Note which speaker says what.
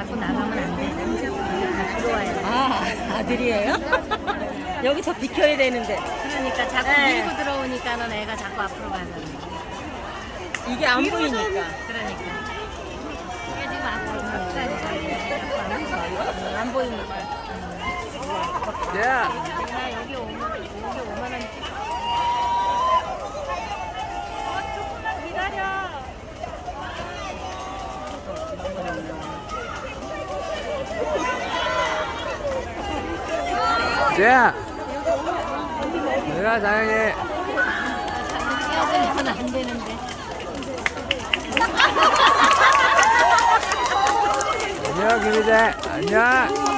Speaker 1: 자꾸 나가면 안 돼. 다 들어와야 돼.
Speaker 2: 아, 아들이에요? 여기 더 비켜야 되는데.
Speaker 1: 그러니까 자꾸
Speaker 2: 네.
Speaker 1: 밀고 들어오니까는 애가 자꾸 앞으로 가잖아.
Speaker 2: 이게 안 보이니까.
Speaker 1: 그러니까. 얘 지금 앞으로 가니까 안 보이니까.
Speaker 3: 야,
Speaker 1: 나 여기 오면은 조금만 기다려.
Speaker 3: 야, 내가 사랑해.
Speaker 1: 헤어지면 안 되는데.
Speaker 3: 안녕, 김희재. 안녕.